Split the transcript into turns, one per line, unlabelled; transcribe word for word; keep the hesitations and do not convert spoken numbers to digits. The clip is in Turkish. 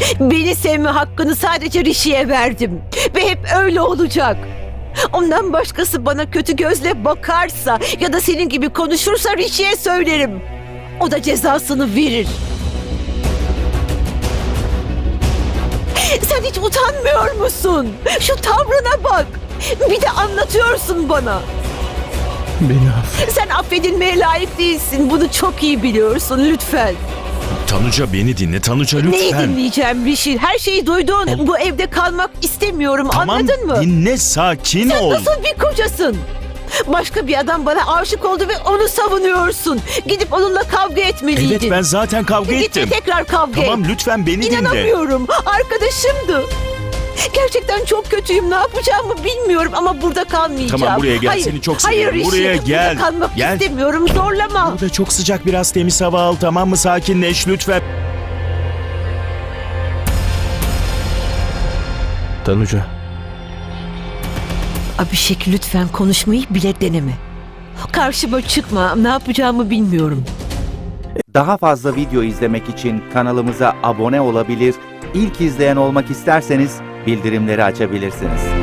Beni sevme hakkını sadece Rishi'ye verdim. Ve hep öyle olacak. Ondan başkası bana kötü gözle bakarsa ya da senin gibi konuşursa Rishi'ye söylerim. O da cezasını verir. Sen hiç utanmıyor musun? Şu tavrına bak. Bir de anlatıyorsun bana.
Beni affet.
Sen affedilmeye layık değilsin. Bunu çok iyi biliyorsun lütfen.
Tanuca beni dinle. Tanuca
Neyi
lütfen.
dinleyeceğim Rishi? Her şeyi duydun. Bu evde kalmak istemiyorum.
Tamam
Anladın mı?
dinle, sakin
Sen
ol.
nasıl bir kocasın? Başka bir adam bana aşık oldu ve onu savunuyorsun. Gidip onunla kavga etmeliydin.
Evet, ben zaten kavga
Git
ettim.
ve tekrar kavga
Tamam
et.
lütfen beni dinle.
İnanamıyorum. Arkadaşımdı. Gerçekten çok kötüyüm. Ne yapacağımı bilmiyorum ama burada kalmayacağım.
Tamam, buraya gel.
Hayır,
Seni çok
hayır
seviyorum.
Rishi,
Buraya gel.
Burada kalmak
Gel.
istemiyorum. Zorlama.
Burada çok sıcak, biraz temiz hava al, tamam mı? Sakinleş lütfen.
Tanuca.
Abhishek lütfen konuşmayı bile deneme. Karşıma çıkma. Ne yapacağımı bilmiyorum.
Daha fazla video izlemek için kanalımıza abone olabilir, ilk izleyen olmak isterseniz bildirimleri açabilirsiniz.